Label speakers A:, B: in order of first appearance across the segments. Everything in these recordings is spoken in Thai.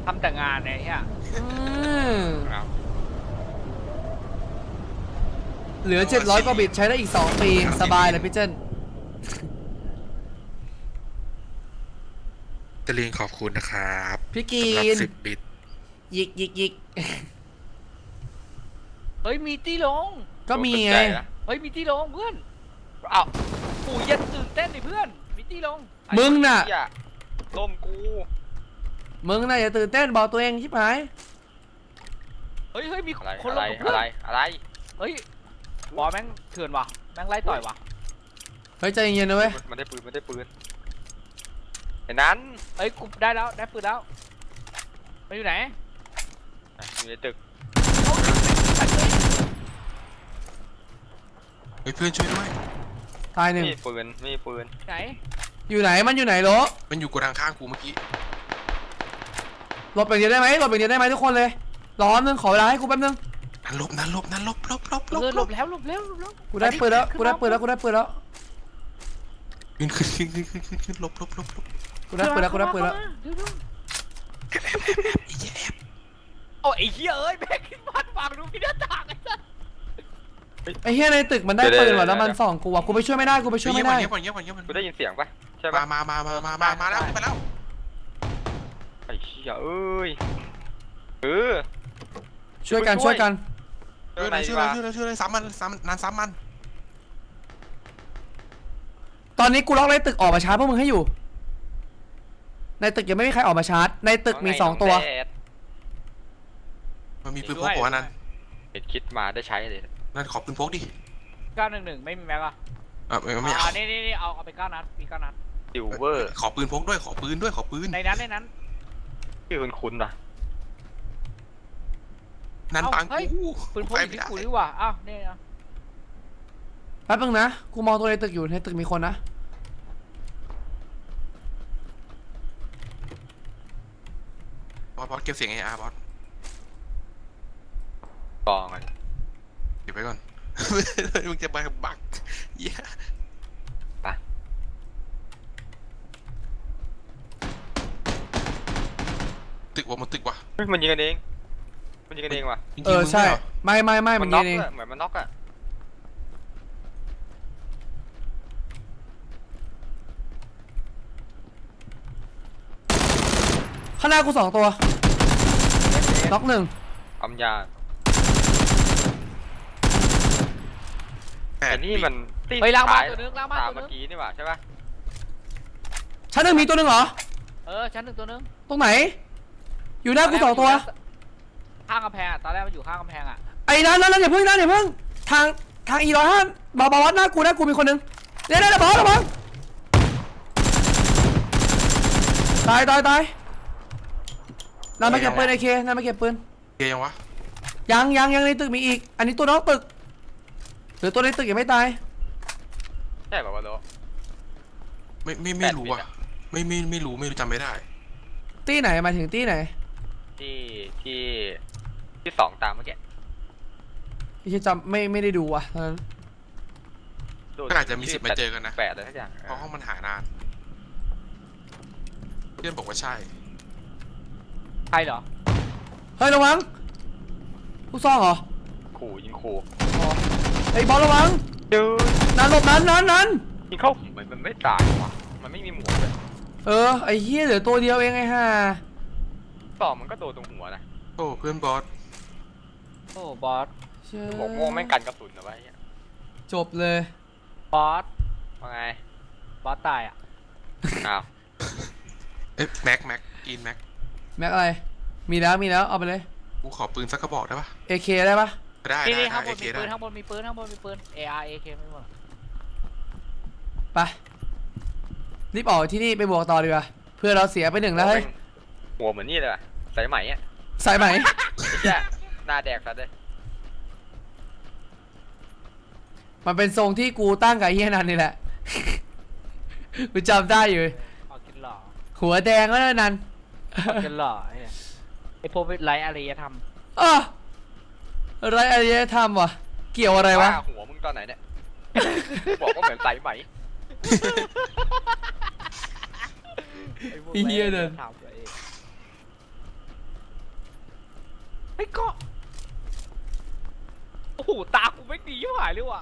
A: ทำแต่งานเนี่ย
B: เหลือ700กว่าบิตใช้ได้อีก2 ปีสบายเลยพี่เจน
C: ตะลิงขอบคุณนะครับ
B: พี่กี
C: สำหรับ
B: น
C: 10 บิต
B: ยิก
A: เฮ้ยมีตี้ลง
B: ก็มีไง
A: เฮ้ยมีตี้ลงเพื่อนอ้าวปู่ยันตื่นเต้นดิเพื่อนมีตี้ลง
B: มึงน่ะ
A: ล่มกู
B: อย่าตื่นเต้นบอกตัวเองชิบหาย
A: เฮ้ยมีคนลงกับเพื่อนอะไรเฮ้ยบอลแม่งเถื่อนว่ะแม่งไล่ต่อยว่ะ
B: เฮ้ยใจเย็นๆนะเว้ย
D: มันได้ปืนไอ้นั้น
A: เฮ้ยกูได้แล้วได้ปืนแล้วมันอยู่ไหน
D: อยู่ในตึก
C: เฮ้ยเพื่อนช่วยด้วย
B: ตายหนึ่ง
D: มีปืน
A: ไหน
B: อยู่ไหนมันอยู่ไหนโหล
C: มันอยู่กระดังข้างกูเมื่อกี้
B: หลบอย่างเดียวได้ไหมทุกคนเลยรอนึงขอเวลาให้กูแป๊บนึง
C: นั่นลบ
A: หลบแล้ว
B: กูได้ปืนแล้วขึ้นขึ้น
C: ลบ
B: กูได้ปืนแล้ว
A: โอ้ไอ้เหี้ยเอ้ยแม่งขึ้นบ้านฟังดูพี่หน้าต่าง
B: ไอ้เหี้ยในตึกมันได้ปืนว่ะแล้วมันส่องกูว่ะกูไปช่วยไม่ได้
C: เงียบ
D: กูได้ยินเสียงปะใช่ปะ
C: มาแล้วไปแล้ว
D: ไอ้เหี้ยเอ้ย
B: ช่วยกัน
C: ช่วยซ้ำมัน
B: ตอนนี้กูล็อกในตึกออกมาชาร์จพวกมึงให้อยู่ในตึกยังไม่มีใครออกมาชาร์จในตึกมี2 ตัว
C: มันมีปืนพกหัวนั่น
D: เป็นคิดมาได้ใช้เลย
C: นั่นขอปืนพกดิ
A: 911ไม่มีแม็กอะ
C: ไม่เอา
A: นี่เอาไป9 นัดมี9 นัด
D: ซิลเวอร์
C: ขอปืนพกด้วยขอปืน
A: ในนั้น
D: ชื่อคุณป่ะ
C: นั่นปังกู
A: ปืนพกที่กูดีกว่าอ้าวนี่นะ
B: แป๊บนึงนะกูมองตัวในตึกอยู่ในตึกมีคนนะ
C: บอสเก็บเสียงบอส
D: กองอะไร
C: เก็บไว้ก่อนมึงจะไปบักเย้
D: ไป
C: ตึกว่ะ
D: มันยิงกันเองว่ะ
B: ใช่ไม่มันยิงเอง
D: เหมือนมันน็อกอะ
B: ข้างหน้ากู2 ตัวน็อก1
D: อำยาแต่นี่มัน
A: ไปล้างบ้านตัวนึง
D: เมื่อกี้นี่หว่าใช่ปะ
B: ชั้น 1มีตัวนึงเหรอ
A: ชั้น 1ตัวนึง
B: ตรงไหนอยู่หน้ากู2 ตัว
A: ข้างกำแพงตอนแรกมันอยู่ข้างกำแพง
B: ไอ้นั่นอย่าเพิ่งทางE105บอสหน้ากูมีคนนึงเดี๋ยวบอสระวังตายนั่นมาเก็บปืนไอเคนั่นมาเก็บปืน
C: ยังวะ
B: ยังในตึกมีอีกอันนี้ตัวนอกตึกหรือตัวในตึกยังไม่ตาย
D: ใช่ป่าววะโล
C: ไม่รู้อ่ะไม่รู้จำไม่ได้
B: ตี้ไหนมาถึงตี้ไหน
D: ที่2ตามเมื่อกี้
B: ที่จำไม่ได้ดูว่ะ
C: ก็อาจจะมีสิทธิ์มาเจอกันนะ
D: 8อะไรทุกอย่าง
C: เพราะห้องมันหานานเพื่อนบอกว่าใช่
A: ใช่เหรอ
B: เฮ้ยระวังผู้ซ่องเหรอ
D: ยิงขู่
B: ไอ้บอลระวังนั่นหลบนั้น
D: ยิงเข้ามันไม่ตายว่ะมันไม่มีหมวกเลย
B: ไอ้เหี้ยเหลือตัวเดียวเองไอ้ห่า
D: ต่อมันก็โดนตรงหัวนะ
C: โอ้เพื่อนบอส
A: บอส
D: บอกโม่แม่งกันกระสุนเอาไว้
B: จบเลย
A: บอส
D: ว่าไง
A: บอสตายอ่ะ
D: อ้าว
C: แม็กกินแม็ก
B: อะไรมีแล้วเอาไปเลย
C: กูขอปืนสักกระบอกได้ปะ
B: AK ได้ปะ
C: ได้
A: ข้างบนมีปืนAR AK ไม่หมด
B: ไปรีบออกที่นี่ไปบวกต่อดีกว่าเพื่อเราเสียไป1แล้วเฮ้ย
D: หัวเหมือนนี่เลยสายไหมใช่หน้าแดกสัตว์เลย
B: มันเป็นทรงที่กูตั้งกับไอ้เฮียนันนี่แหละกูจำได้อยู่
A: กินหล่อ
B: หัวแดงก็นั่น
A: กินหล่อไอ้พวกไร้อารยธรรม
B: ไรอารยธรรมวะเกี่ยวอะไรวะ
D: หัวมึงตอนไหนเนี่ยบอกว่าเหมือนสายไหม
B: เฮียเดิน
A: ฮ้ยก็โอ้โหตากูไม่ดีหายเลยว่ะ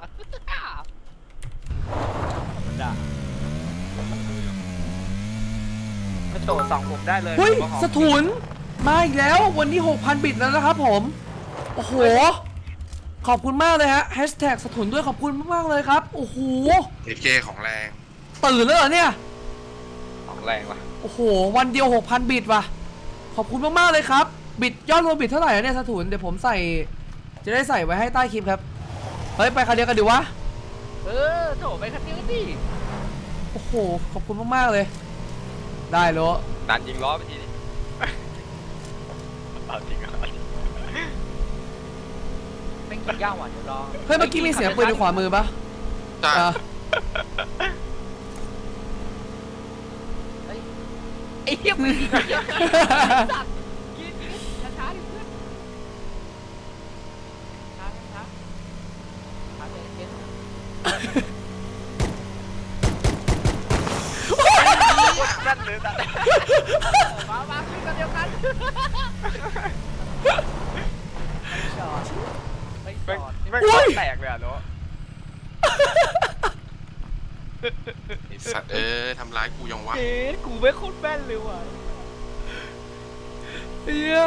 A: กระโดด2ผมได้เลย
B: เฮ้ย
A: ผมว่า
B: สถุนมาอีกแล้ววันนี้ 6,000 บิตแล้วนะครับผมโอ้โหขอบคุณมากเลยฮะแฮชแท็กสถุนด้วยขอบคุณมากๆเลยครับโอ้โห
C: AK ของแรง
B: ตื่นแล้วเหรอเนี่ย
D: ของแรงว่ะ
B: โอ้โหวันเดียว 6,000 บิตว่ะขอบคุณมากๆเลยครับบิตยอดรวมบิตเท่าไหร่อะเนี่ยสถุนเดี๋ยวผมใส่จะได้ใส่ไว้ให้ใต้คลิปครับเฮ้ยไปคันเดียวกันดีวะ
A: โถไปคันนี้ดิ
B: โอ้โหขอบคุณมากๆเลยได้โล
D: ดันยิงล้อไปทีนี้เอาจริงเหรอ
A: ไม่กินย่างหวานเดี๋ยวรอ
B: เฮ้ยเมื่อกี้มีเสียงปืนในขวามือปะ
C: ใช่
B: อ่ะ
A: ไอ้เหี้ยมึงสัตว์กินช้าๆดิเพื่อนช้าเย็นนั่นเลยสัตว์มาขึ้นกันเดียวกันไม่จอด
D: ไม่แตกเลยอ่ะเนาะ
C: ไอ้สัตว์ทำร้ายกูยังวะ
A: เอ๊ะกูไม่โคตรแม่นเลยว่ะ
B: เฮีย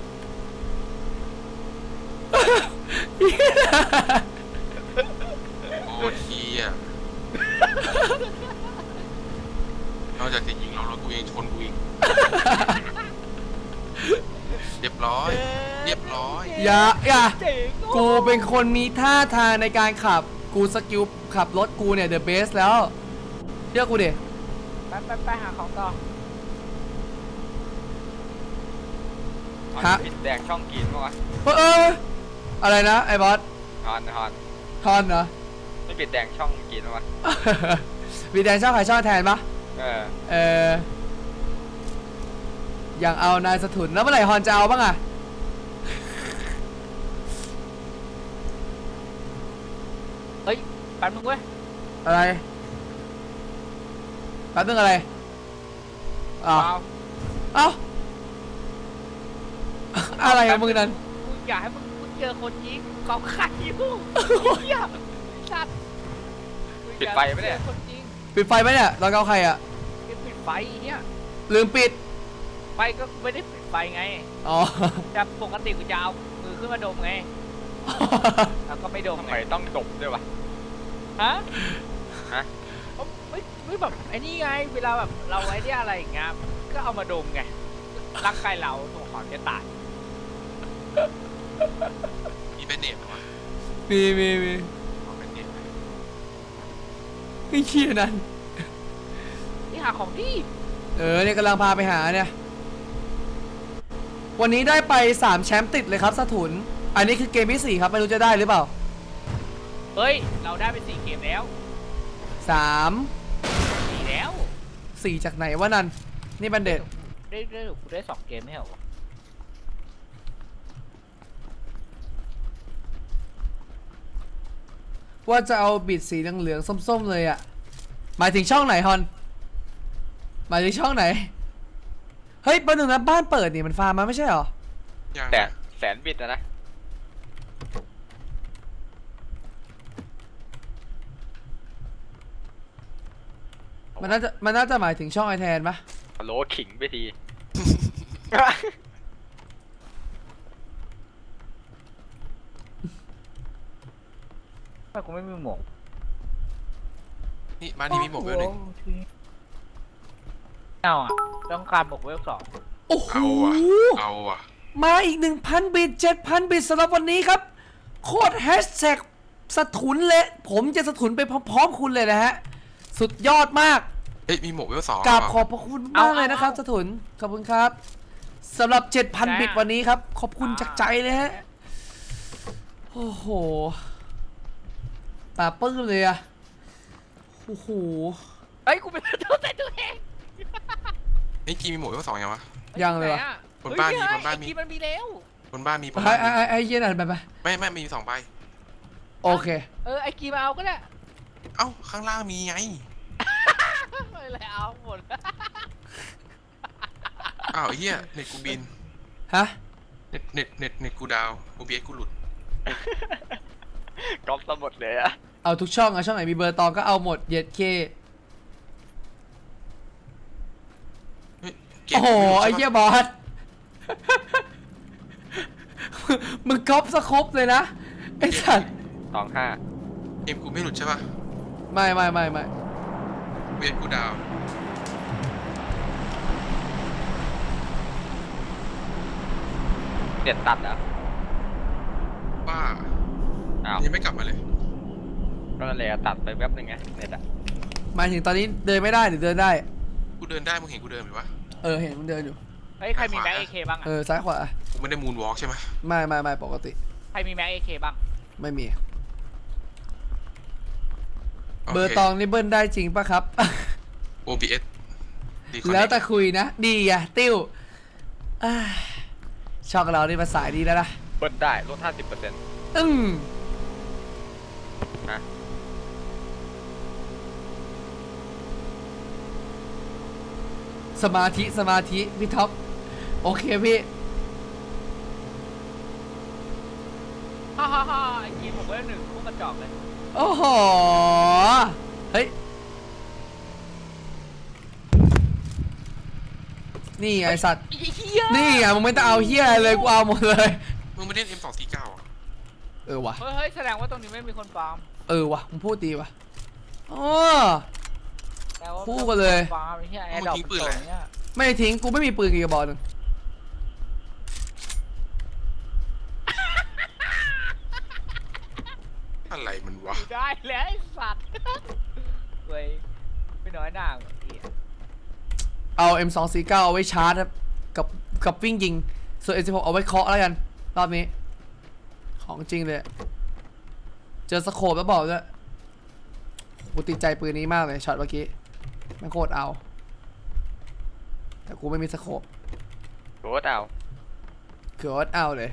C: โอ้เทียนอกจากจะยิงเราแล้วกูยังชนกูอีกเรียบร้อยเรียบร้อย
B: อย่า
A: เจ๋ง
B: กูเป็นคนมีท่าทางในการขับกูสกิลขับรถกูเนี่ยเดอะเบสแล้วเชื่อกูดิ
A: ไปหาของต่อ
B: ฮะ
D: ปิดแดงช่องกินมั้งวะ
B: อะไรนะไอ้บอส
D: ฮอน
B: ทอนเหรอ
D: ไม่ปิดแดงช่องกินมั้งวะ
B: มีแดนชอบใครชอบแทนปะ
D: เออ
B: อย่างเอานายสถุนแล้วเมื่อไหร่ฮอนจะเอาบ้างอะ
A: เฮ้ยแป๊บนึงเว้ย
B: อะไรแป๊บนึงอะไรอ้าว
A: เปล่า
B: เอ้าอะไรกับมึงนั่น
A: กูอยากให้มึงเจอคนยิงกองขัดอยู่เหี้ยสัตว์
D: ปิดไฟไหมเนี่ย
A: คนยิง
B: ปิดไฟไหมเนี่ยเราเอาใครอะ
A: ปิดไฟเนี่ย
B: ลืมปิด
A: ไฟก็ไม่ได้ปิดไฟไง
B: อ๋อ
A: แต่ปกติกูจะเอามือขึ้นมาดมไงแล้วก็ไม่ดม
D: ทำ
A: ไง
D: ไมต้องดบด้วยวะ
A: ฮะ
D: ฮะ
A: ไม่แบบไอ้นี่ไงเวลาแบบเราไว้เนี่ยอะไรอย่างเงี้ยก็เอามาดมไงร่างกายเราตัวของจะตาย
C: มีเป็นเน็ตเหรอวะ
B: มี
C: เอาเป็นเน็ตไหม
B: ไอ้เหี้ยนั่น
A: นี่หาของที่
B: เนี่ยกำลังพาไปหาเนี่ยวันนี้ได้ไป3แชมป์ติดเลยครับสถุนอันนี้คือเกมที่4ครับไม่รู้จะได้หรือเปล่า
A: เฮ้ยเราได้ไป4 เกมแล้ว
B: 3
A: 4แล้ว
B: 4จากไหนวะนั่นนี่บันเด็ด
A: ได้2 เกมไม่เหรอวะ
B: ว่าจะเอาบิดสีเหลืองๆส้มๆเลยอะหมายถึงช่องไหนฮอนหมายถึงช่องไหนเฮ้ยประหนึ่งนะบ้านเปิดนี่มันฟาร์มมาไม่ใช่เหรอ
C: ยัง
D: แต่
C: นะ
D: แสนบิตนะ
B: มันน่าจะหมายถึงช่องไอแทนปะ
D: โลขิงไปที
A: ทำไมกูไม่มีหมวก
C: นี่บ้านนี้มีหมวกเวลหนึ่ง
A: เอาอ่ะต้องการหมวกเวล2
B: โอ้โห
C: เอาว่ะ
B: มาอีก 1,000 บิต 7,000 บิตสำหรับวันนี้ครับโคตรแฮชแท็กสถุนเลยผมจะสถุนไปพร้อมๆคุณเลยนะฮะสุดยอดมาก
C: เฮ้ยมีหมวกเวล2
B: กราบขอบพระคุณมากเลยนะครับสถุนขอบคุณครับสำหรับ 7,000 บิตวันนี้ครับขอบคุณจากใจเลยฮะโอ้โหตาปื้มเลยอะโอ้โห
A: เฮ้ยกูเป็นตัวแต่ตัวเอง
C: ไอ้กีมีหมวกเวล2ยังวะ
B: ยังเลยวะ
C: บนบ้านมี
A: เฮ้ย
C: บนบ้านมี
A: ไอ้กีมันมีแล้ว
C: บนบ้านมีบน
B: ไอ้
C: บ้านมี
B: ไอ้เหี้ย็นอ่ะไป
C: ไม่มี2ใบ
B: โอเค
A: ไอ้กีมาเอาก็ได้
C: เอ้าข้างล่างมีไง
A: ไม่เลยเอาหมด
C: อ้าวไอ้เหี้ยเน็ตกูบิน
B: ฮะ
C: เน็ตกูดาว OBS กูหลุด
D: ก๊อปซะหมดเลยอะ
B: เอาทุกช่องอะช่องไหนมีเบอร์ตองก็เอาหมดเย็ดเค
C: เฮ้ยเกม
B: โอ้โห
C: กูม่
B: ไอ้
C: รู้
B: เหี้
C: ใช่
B: ย
C: ปะ
B: บอส มึงก๊อปสครบเลยนะไอ้สัตว์
D: 25
C: เกมกูไม่หลุดใช่ปะ
B: ไม่
C: OBS กูดาว
D: เน็ตตัดเหรอ
C: บ้า
D: อ้าว
C: ยังไม่กลับมาเลย
D: ก็นั่นแหละตัดไปแป๊บนึงไงเน็ตอะ
B: หมายถึงตอนนี้เดินไม่ได้หรือเดินได้
C: กูเดินได้มึงเห็นกูเดินไหมวะ
B: เห็นมึงเดินอยู่
A: เฮ้ยใครมีแม็กเอเคบ้างอะ
B: ซ้ายขวา
C: กูไม่ได้มูนวอล์กใช่ไหม
B: ไม่ปกติ
A: ใครมีแม็กเอเคบ้าง
B: ไม่มี
C: โค
B: เบอร์ตองนี่เบิ้ลได้จริงปะครับ
C: OBS ดีคอน
B: แล้ว
C: เน
B: แต่คุยนะ ดีอะติ้วอ่าช่องเรานี่มาสายดีแล้วนะ
D: เบิ้ลได้ลด 50%
B: อืม
D: ฮะ
B: สมาธิพี่ท็อปโอเคพี่
A: ฮ่าไอ้กีผมก็ได้1พวกกระจอกเลย
B: โอ้โห เฮ้ย นี่ไงไอ้สัตว์
A: เฮีย
B: นี่ไงมึงไม่ต้องเอาเฮียอะไรเลยกูเอาหมดเลย
C: มึงไม่เล่น M249 อ่ะ
B: ว่ะ
A: เฮ้ยแสดงว่าตรงนี้ไม่มีคนฟาร์ม
B: ว่ะมึงพูดดีว่ะอ๋อ
A: แต่ว่า
B: คู่กันเลย
A: ฟาร์มไอ้เหี้ยแอร์ดรอปตรงเนี้ย
B: ไม่ทิ้งกูไม่มีปืนกี่กระบอกหนึง
C: อะไรมันวะ
A: อยู่ได้แล้วไอ้สัตว์เว้ยไม่น้อยหน้าเหมือนพี่
B: เอา M249 เอาไว้ชาร์จครับกับวิ่งยิง ส่วน M16 เอาไว้เคาะแล้วกันรอบนี้ ของจริงเลย เจอสโคปแล้วบอกด้วยกูติดใจปืนนี้มากเลยช็อตเมื่อกี้แม่งโคตรเอา แต่กูไม่มีสโคป
D: โคตรเอา
B: คือโคตรเอาเลย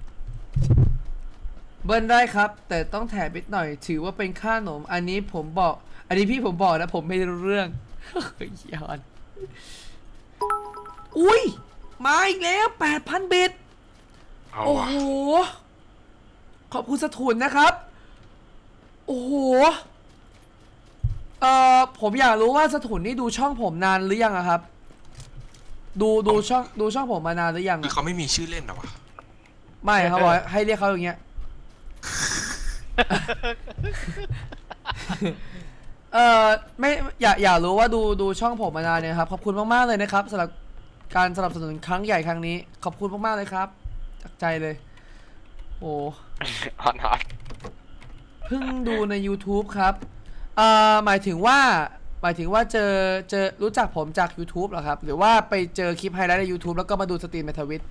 B: เบิ้ลได้ครับ แต่ต้องแถมนิดหน่อย ถือว่าเป็นค่าขนม อันนี้พี่ผมบอกนะ ผมไม่รู้เรื่อง เฮ้ยยอนอุ้ย มาอีกแล้ว 8,000 บิต
C: เอา
B: โอ้
C: วะ
B: โห ขอบคุณสถุนนะครับ โอ้โห ผมอยากรู้ว่าสถุนนี่ดูช่องผมนานหรือยังอะครับ ดูช่องผมมานานหรือยัง
C: คือ
B: อะ
C: เขาไม่มีชื่อเล่นเหรอวะ
B: ไม่ครับบอกให้เรียกเขาอย่างเงี้ย ไม่อยากรู้ว่าดูช่องผมมานานเนี่ยครับ ขอบคุณมากๆเลยนะครับสำหรับการสนับสนุนครั้งใหญ่ครั้งนี้ ขอบคุณมากๆเลยครับจากใจเลย โอ้
D: ฮอต
B: เพิ่งดูใน YouTube ครับหมายถึงว่าเจอรู้จักผมจาก YouTube เหรอครับ หรือว่าไปเจอคลิปไฮไลท์ใน YouTube แล้วก็มาดูสตรีมในทวิต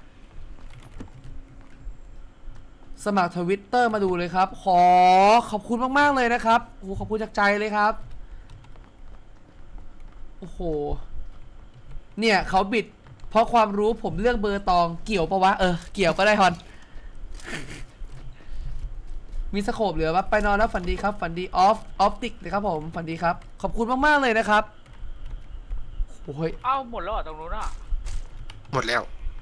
B: สมัครทวิตเตอร์มาดูเลยครับขอบคุณมากๆเลยนะครับโอ้โหขอบคุณจากใจเลยครับโอ้โหเนี่ยเขาบิดเพราะความรู้ผมเลือกเบอร์ตองเกี่ยวปะวะเกี่ยวก็ได้ฮอน มีสโคปเหลือปะไปนอนแล้วฝันดีครับฝันดีออฟติกเลยครับผมฝันดีครับขอบคุณมากๆเลยนะครับโอ้ย
A: เอ้าหมดแล้วเหรอตรงนู้นอ่ะ
C: หมดแล้ว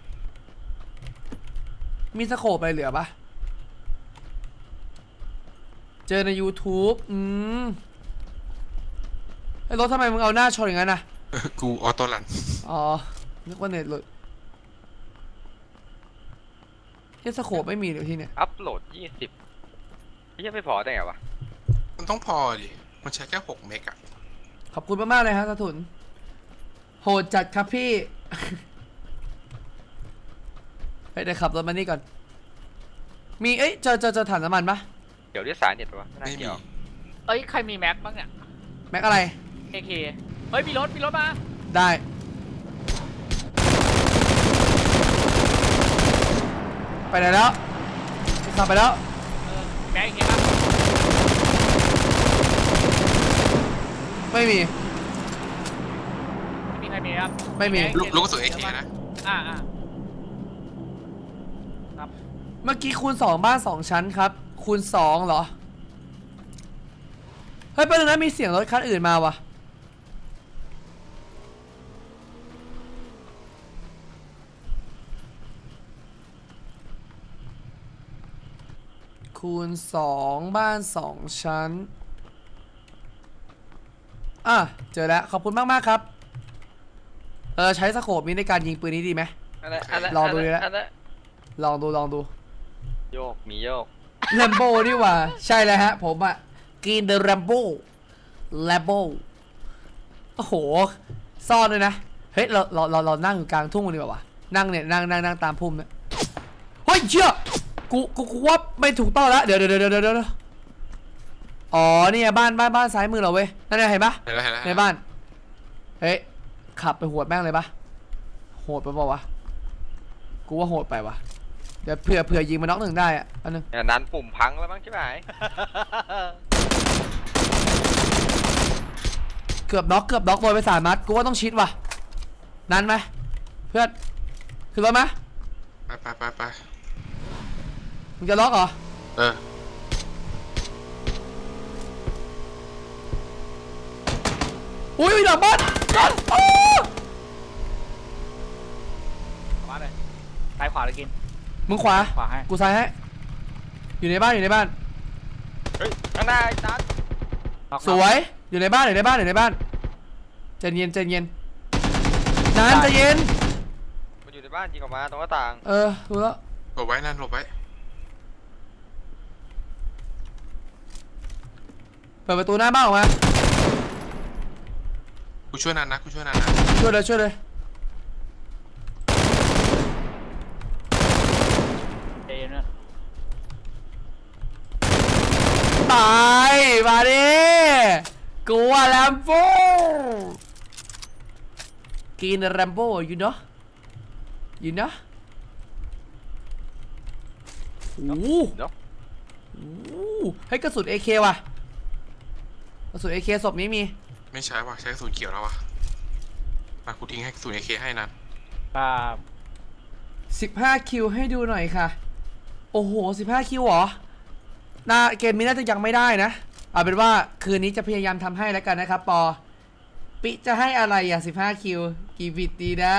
B: มีสโคปอะไรเหลือปะเจอใน YouTube ไอ้รถทำไมมึงเอาหน้าชนอย่างนั้นนะ
C: กูออโต้รัน
B: อ๋อ นึกว่าเน็ตหลุดเฮียสโคปไม่มีเดี๋ยวที่เนี่ย
D: อัพโหลด 20ยังไม่พอได้ไงวะ
C: มันต้องพอดิ มันใช้แค่6 เมกอะ
B: ขอบคุณมากๆเลยครับสถุนโหดจัดครับพี่ เฮ้ยเดี๋ยวขับรถมานี่ก่อน มีเจอถังน้ำมันปะ
D: เดี๋ยวเรียกสายเน็ตปะวะไม่น่า
C: ไม่มี
D: เกี่ยว
A: เอ้ยใครมีแม็กบ้างเนี่ย
B: แม็กอะไร
A: เอเคเฮ้ยมีรถมา
B: ได้ ไปไหนแล้วขับไปแล้ว
A: แม็กเอเคบ้าง
B: ไม่มี
A: ไม่มีใครมีครับ
B: ไม่มี
C: ลูกกระสุน AK นะ
A: ครับ
B: เมื่อกี้คูณ2บ้าน2ชั้นครับ คูณ2เหรอ เฮ้ยประเด็นนั้นมีเสียงรถคันอื่นมาว่ะคูณ2บ้าน2ชั้นเจอแล้วขอบคุณมากๆครับใช้สโคปนี้ในการยิงปืนนี้ดีไหมลองดูดิละลองดู
D: โยกมีโยก
B: แลมโบ้นี่หว่าใช่เลยฮะผมอะกินเดอะแลมโบ้โอ้โหซ่อนเลยนะเฮ้ยเรานั่งอยู่กลางทุ่งดีกว่าวะนั่งเนี่ยนั่งตามพุ่มเนี่ยเฮ้ยเชี่ยกูว่าไม่ถูกต้องแล้วเดี๋ยวอ๋อนี่บ้านซ้ายมือเราเว้ยนั่นไงเห็นปะในบ้านเฮ้ยขับไปหวดแม่งเลยปะโหดไปเปล่าวะกูว่าโหดไปวะเดี๋ยวเผื่อยิงมาน็อก1ได้อะอันนึง
D: นั้นปุ่มพังแล้วมั้งใช่ไหม
B: เกือบน็อกโดนไป3 นัดกูว่าต้องชิดว่ะนั้นไหมเพื่อนขึ้นรถไหม
C: ไป
B: มึงจะล็อกเหรออุ้ยหลังบ้าน
A: มาเลยซ้ายขวาเลยกิน
B: มึงขวา
A: ให้
B: กูซ้ายให้อยู่ในบ้าน
D: เฮ้ยข้างหน้าไอ้นัด
B: สวยอยู่ในบ้านใจเย็นนานใจเย็น
D: มันอยู่ในบ้านยิงออกมาตรงหน้าต่าง
B: ดูแล้ว
C: หลบไว้นั่นหลบไว้
B: เปิดประตูหน้าบ้านออกมา
C: กูช่วยนันนะ
B: ช่วยเลยตายมาดิกูว่าแลมโบ้กินแลมโบ้อยู่เนาะโอ้โหให้กระสุน AK ว่ะกระสุน AK ศพนี้มี
C: ไม่ใช่ว่ะใช้กระสุนเขียวแล้วว่ะมากูทิ้งให้กระสุน AK ให้นัน
B: 15 คิวให้ดูหน่อยค่ะโอ้โห15 คิวเหรอเกมนี้น่าจะยังไม่ได้นะเอาเป็นว่าคืนนี้จะพยายามทำให้แล้วกันนะครับปอปิจะให้อะไร15 คิวกี่บิตดีนะ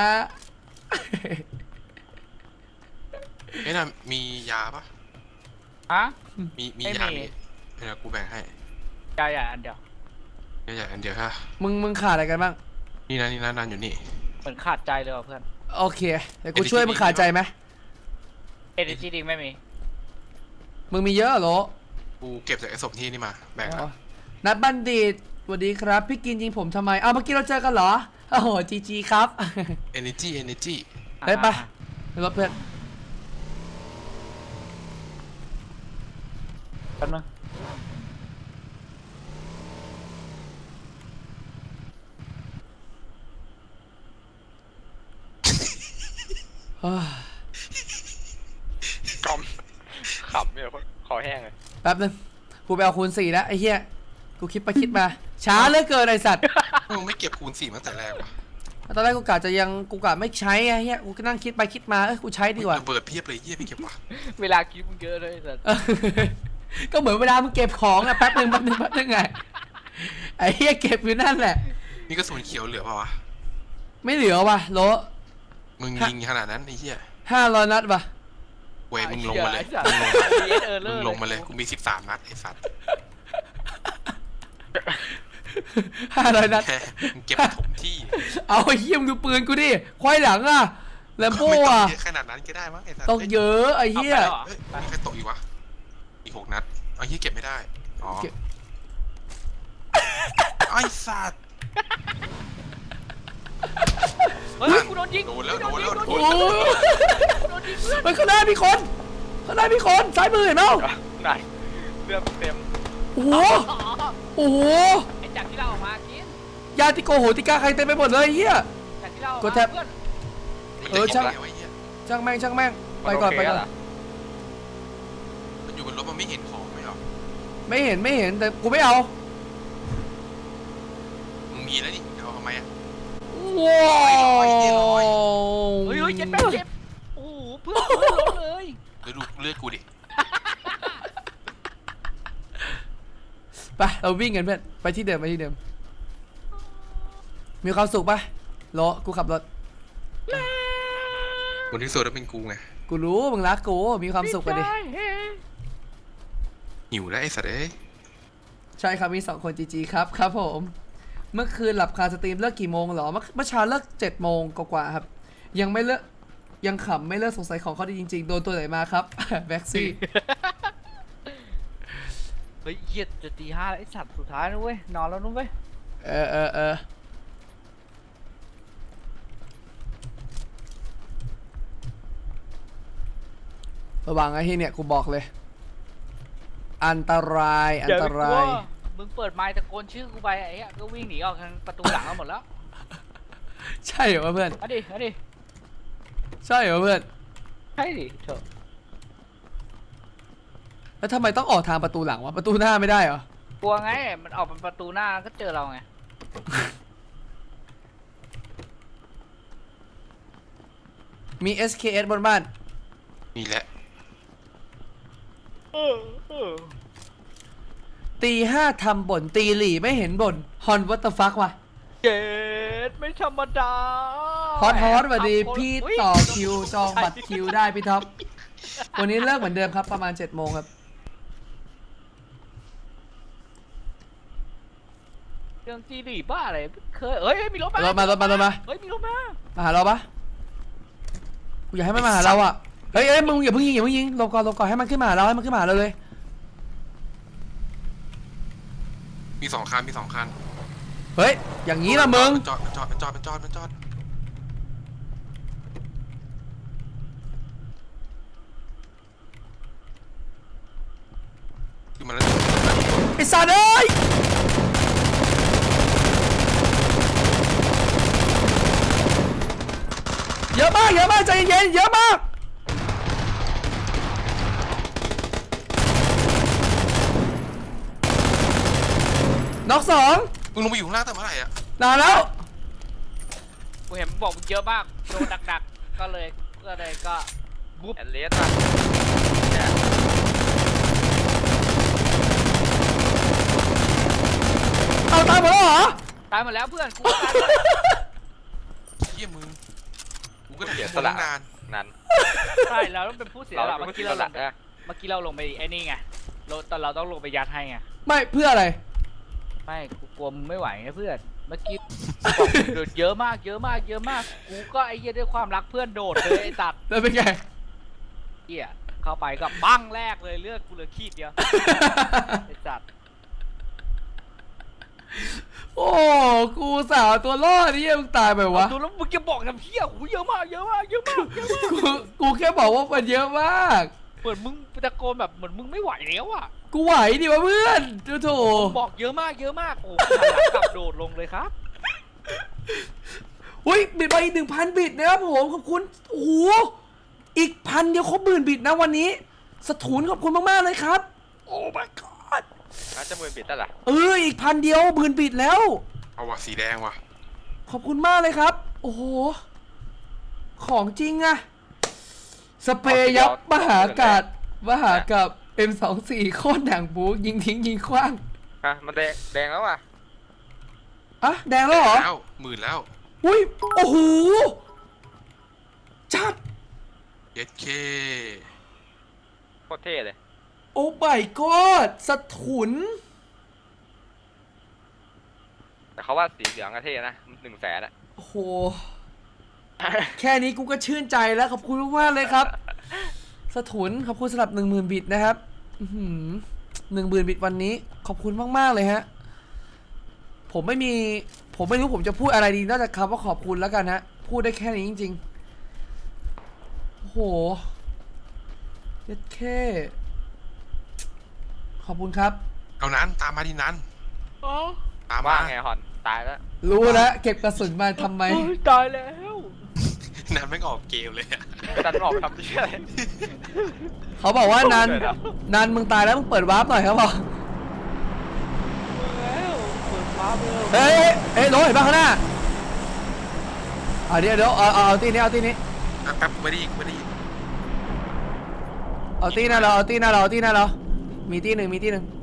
C: น่ะมียาปะมียาเนี่ยกูแบ่งให้
A: ยาอันเดียว
C: อันเดียวฮะ
B: มึงขาดอะไรกันบ้าง
C: นี่นะนันอยู่นี่
A: เหมือนขาดใจเลยเพื่อน
B: โอเคเดี๋ยวกูช่วยมึงขาดใจไหม
A: Energy Drink ไม่มี
B: มึงมีเยอะเหรอ
C: กูเก็บจากไอ้ศพที่นี่มาแบ่ง
B: นัดบัณฑิตสวัสดีครับพี่กินยิงผมทำไมเมื่อกี้เราเจอกันเหรอโอ้โหจีครับ
C: Energy
B: ได้ปะรถเพื่อน
A: กันมั้ง
D: ขำเนี่ยคอแห้งเลย
B: แป๊บนึงกูไปเอาคูณ4แล้วไอ้เหี้ยกูคิดมาช้าเหลือเกินไอ้สัตว์
C: มึงไม่เก็บคูณ4มาแต่แรกวะ
B: ตอนแรกกูกะไม่ใช้ไอ้เหี้ยกูก็นั่งคิดไปคิดมากูใช้ดีกว่า
C: เปิดเพียบเลยเหี้ยไม่เก็บวะ
A: เวลาคิดมึงเยอะเลยสัตว์
B: ก็เหมือนเวลามึงเก็บของอะแป๊บนึงไงไอ้เหี้ยเก็บอยู่นั่นแหละ
C: นี่กระสุนเขียวเหลือเปล่าวะ
B: ไม่เหลือว่ะโล
C: มึงยิงขนาดนั้นไอ้เหี้ย
B: 500 นัดว่ะ
C: เว้ยมึงลงมาเลยกูมี13 นัดไอ้สัตว์
B: 500 นัด
C: มึงเก็บถมที่
B: เอาไอ้เหี้ยมึงดูปืนกูดิควายหลังอะแลมโบ้อะ
C: ขนาดนั้นก็ได้มั้งไอ้สัตว์
B: ต้องเยอะไอ้เหี้ย
C: มีใครตกอีกวะอีก6 นัดไอ้เหี้ยเก็บไม่ได้อ๋อไอ้สัตว์
A: เฮ้ยกูโดนยิง
C: โดนแล้ว
B: ไปข้างหน้ามีคนซ้ายมือเห็นไหม
D: ไหนเลือดเต็ม
B: โอ้โห
A: ไอ้จากที่เราออกมากิน
B: ยาติโกโหติกาใครเต็มไปหมดเลยเฮีย
A: จากที่เรา
B: กดแท็บช่างแม่งไปก่อน
C: มันอยู่บนรถมันไม่เห็นของไหมหรอ
B: ไม่เห็นแต่กูไม่เอา
C: มึงมีแล้วนี่เอาทำไมอะ
B: ว้าว
A: เฮ้ยเจ็บโอ้โหเพื่อนล้มเลย
C: เดี๋ยวดูเลือดกูดิ
B: ไปเราวิ่งกันเพื่อนไปที่เดิมมีความสุขปะรอกูขับรถ
C: คนที่สุดแล้วเป็นกูไง
B: กูรู้มึงรักกูมีความสุขไปดิ
C: หิวแล้วไอ้สัตว์เอ้ย
B: ใช่ครับมี2 คนจีครับครับผมเมื่อคืนหลับคาสตรีมเลิกกี่โมงเหรอเมื่อเช้าเลิก7 โมงกว่าๆครับยังไม่เลิกยังขำไม่เลิกสงสัยของเขาดีจริงๆโดนตัวไหนมาครับ แบ็กซี่
A: เฮ้ยเหี้ยจะตี 5แล้วไอ้สัตว์สุดท้ายนะเว้ยนอนแล้วนู้นเว้ย
B: เออระวังไอ้ที่เนี่ยกูบอกเลยอันตรายอันตราย
A: มึงเปิดไมค์ตะโกนชื่อกูไปไอ้เหี้ยก็วิ่งหนีออกทางประตูหลังกันหมดแล้ว
B: ใช่เหรอวะเพื่อน
A: เอาดิเอาดิ
B: ใช่เหรอเพื่อน
A: ใช่ดิเถอะ
B: แล้วทำไมต้องออกทางประตูหลังวะประตูหน้าไม่ได้เหรอก
A: ลัวไงมันออกเป็นประตูหน้าก็เจอเราไง
B: มี SKS บนบ้าน
C: มีแหละ
B: ตี 5ทำบ่นตีหลี่ไม่เห็นบ่นฮอนวัตฟักวะ
A: เจ็ดไม่ธรรมดา
B: ฮอตสวัสดีพี่ต่อคิวจองบัตรคิวได้พี่ท็อปวันนี้เลิกเหมือนเดิมครับประมาณ7 โมงครับ
A: เรื่องจีดีบ้าอะไรเคยเฮ้ยมีรถมาร
B: ถมา
A: เฮ้ยมีรถมา
B: มาหาเราปะกูอยากให้มันมาหาเราอ่ะเฮ้ยมึงอย่าเพิ่งยิงหลบก่อนให้มันขึ้นมาหาเราให้มันขึ้นมาหาเราเลย
C: มี2 คันมี2 คัน
B: เฮ้ยอย่างนี้ละมึง
C: จอดขึ้นมาแล้ว
B: ไอ้สัตว์เอ้ยเยอะมากใจเย็นเยอะมากน็อก2
C: มึงลงไปอยู่ข้างล่างแต่เมื่อไหร่อะ
B: นานแล้ว
A: กูเห็นมึงบอกมึงเยอะมากโดนดักๆก็เลยบุ๊บ
D: แอนเลสป่ะ
B: เอาตายหมดแล้วเหรอ
A: ตายหมดแล้วเพื่อนกูก็ตายหมด
C: เหี้ยมึงกูก็
D: เสีย
C: ท
D: ส
C: น
D: ละ
C: ตั้งนาน
D: นั่น
A: ใช่เราต้องเป็นผู้เสียสละ
D: เรา
A: เมื่อ
D: คิ
A: กี้
D: ด
A: เรา
D: ส
A: ล
D: ละ
A: งไป
D: นะ
A: เมื่อกี้เราลงไปไอ้นี่ไงแต่เราต้องลงไปยัดให้ไง
B: ไม่เพื่ออะไร
A: ไม่กูกลัวมึงไม่ไหวไงเพื่อนเมื่อกี้บอกโดดเยอะมากกูก็ไอ้เหี้ยด้วยความรักเพื่อนโดดเลยไอ้ตัด
B: แล้วเป็นไง
A: เหี้ยเข้าไปก็ปั้งแรกเลยเลือดกูเหลือขีดเดียวไอ้สัตว์
B: โอ้กูสาวตัวรอดนี่มึงตายไปวะ
A: ดูแล้วมึงจะบอกทำเหี้ยโหเยอะมาก
B: กูแค่บอกว่ามันเยอะมาก
A: เหมือนมึงตะโกนแบบเหมือนมึงไม่ไหวแล้วอ่ะ
B: กูไหวดิวะเพื่อนโถ
A: บอกเยอะมากโอ้โหหันหลังกลับโดดลงเลยครับ
B: อุ้ยบิดไปอีก1,000 บิตนะครับผมขอบคุณโอ้โหอีก1,000เดียวครบ10,000 บิตนะวันนี้สถุนขอบคุณมากๆเลยครับโอ้ my god
D: น่าจะมือปิดได้ล่ะ
B: อีก1,000 เดียว10,000 บิตแล้ว
C: เอาว่ะสีแดงว่ะ
B: ขอบคุณมากเลยครับ โอ้โหของจริงอะสเปรย์ยับมหากาศM24 โคตรหนังบูยิงทิ้งยิงขว้าง
D: ฮะมันแดงแล้วว่ะ
B: อะแดงแล้วเหรอ
C: แล้ว10,000แล้ว
B: อุ้ยโอ้โหจัด
C: เย็ดเค
D: โคตรเท่เลย
B: โอ้ my god สถุน
D: แต่เขาว่าสีเหลืองก็เท่นะ100,000อะ
B: โอ้โห แค่นี้กูก็ชื่นใจแล้วขอบคุณมากๆเลยครับ สถุนขอบคุณสำหรับ10,000 บิตนะครับ10,000 บิตวันนี้ขอบคุณมากๆเลยฮะผมไม่รู้ผมจะพูดอะไรดีนอกจากคำว่าขอบคุณแล้วกันฮะพูดได้แค่นี้จริงๆโอ้โหเย็ดแค่ขอบคุณครับ
C: เอานั้นตามมาดินั้นตาม
D: ว่า
C: มา
D: ไงฮอนตายแล้ว
B: รู้แล้วเก็บกระสุนมาทำไม
A: ตายแล้ว
C: นั้นไม่งออกเกมเลยอะ
D: ดันออกทำเชี่ยอะไร
B: เขาบอกว่านัน
D: เลยเหรอ
B: นันมึงตายแล้วมึงเปิดวาร์ปหน่อยครับบอก
A: แล้วเปิดฟ้าเบล
B: เฮ้ยรถเห็นป่ะข้างหน้าเดี๋ยวเอาตีนี้
C: แป๊บไม่ได้ยิง
B: เอาตีหน้าเรามีตีหนึ่ง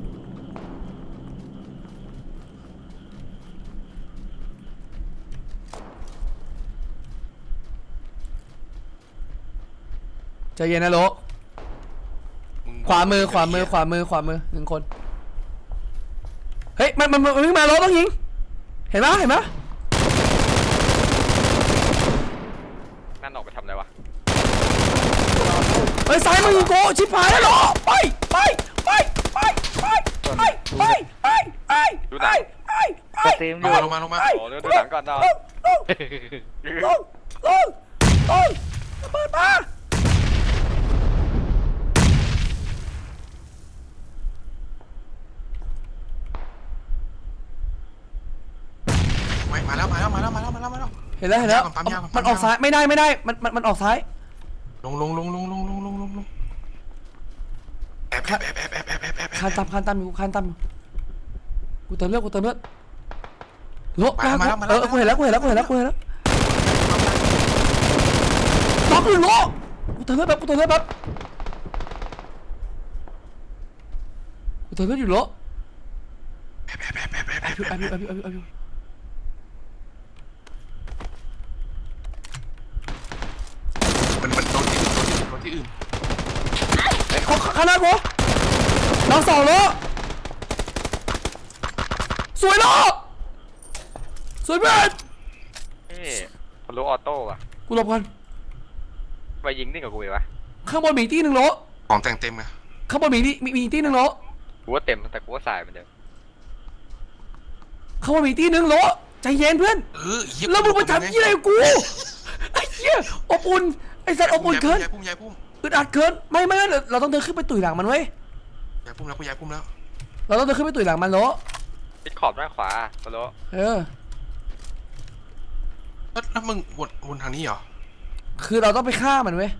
B: ใจเย็นนะโล
C: มึง
B: ขวามือขวามือขวามือขวามือหนึ่งคนเฮ้ยมันวิ่งมาล้อต้องยิงเห็นไหมเห็นไหม
D: นั่นออกไปทำอะไรวะ
B: เฮ้ยซ้ายมือยิงโกชิบหายแล้วเหรอไปไปไปไปไปไปไปไปไปไปไปไป
A: สตรีมอ
C: ล
A: ยู่
C: งมาลงมา
D: โอ้ดูหนังก่อนเนาะ
B: ลงเปิดมา
C: มาแล้ว
B: เห็นแล้วเห็นแล้วมันออกซ้ายไม่ได้มันออกซ้าย
C: ลงแอบ
B: คานตามอยู่คานตามอยู่กูเติมเลือดโลกูเห็นแล้วล็อกอยู่โลกูเติมเลือดแบบกูเติมเลือดอยู่โล
C: มันโดนที่อื่น
B: ข้างหน้ากูน้องสองโลสวยโลสวยเพื่อน
D: เฮ้ยพลุออโต้ว่ะ
B: กูหลบก่อน
D: ไปยิงนี่กับกูเลยวะ
B: ข้างบนมีตีหนึ่งโล
C: ของแต่งเต็มไง
B: ข้างบนมีตีหนึ่งโล
D: กูว่าเต็มแต่กูว่าสายเหมือนเดิม
B: ข้างบนมีตีหนึ่งโลใจเย็นเพื่อนแล้วมึงมาทำยี่อะไรกูไอ้เหี้ยอบอุ่นไอ้สัตว์อบอุ่นเกิน
C: ยายพุ่ม
B: อึดอัดเกินไม่เราต้องเดินขึ้นไปตุ๋ยหลังมันเว้ย
C: ยายพุ่มแล้ว
B: เราต้องเดินขึ้นไปตุ๋ยหลังมันโล
D: ปิดขอบด้านขวาพลุ
C: แล้วมึงวนทางนี้เหรอ
B: คือเราต้องไปฆ่ามันเว้ย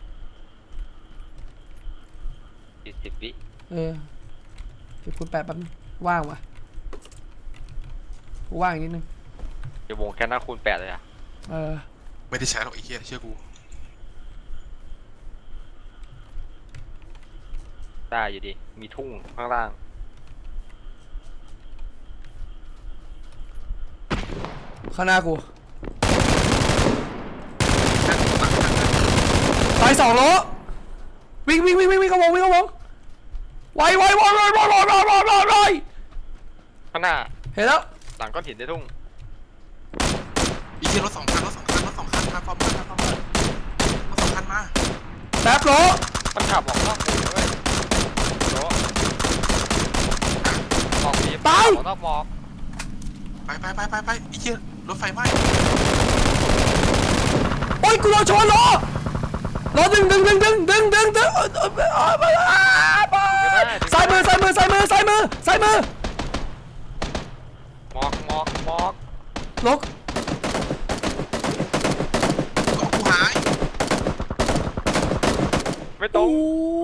D: 40 วิ
B: เก็บคุณแปดแป๊บนึงว่างวะกูว่างอีกนิดนึง
D: เดี๋ยววงแค่หน้าคูณ 8เลยอ่ะ
C: ไม่ได้ใช้หรอกไอ้เหี้ยเชื่อกู
D: ได้อยู่ดีมีทุ่งข้างล่าง
B: ข้างหน้ากูตาย2 โลวิ่งเข้าวงไว
D: ข้างหน้า
B: เห็นแล้ว
D: หลังก้อนหินในทุ่ง
C: ไอ้เหี้ยรถสองคันมาฟอร์มรถสองคันมา
B: แป๊บโล
D: มันขับออกนอกหมู่ด้วยโลออกดีออกนอกมอง
C: ไปไอ้เหี้ยรถไฟไหม้
B: โอ้ยกูโดนชนโลดึงซ้ายมือ
D: มอก
B: ลก
C: กูหาย
D: ไม่ตรง
B: โอ้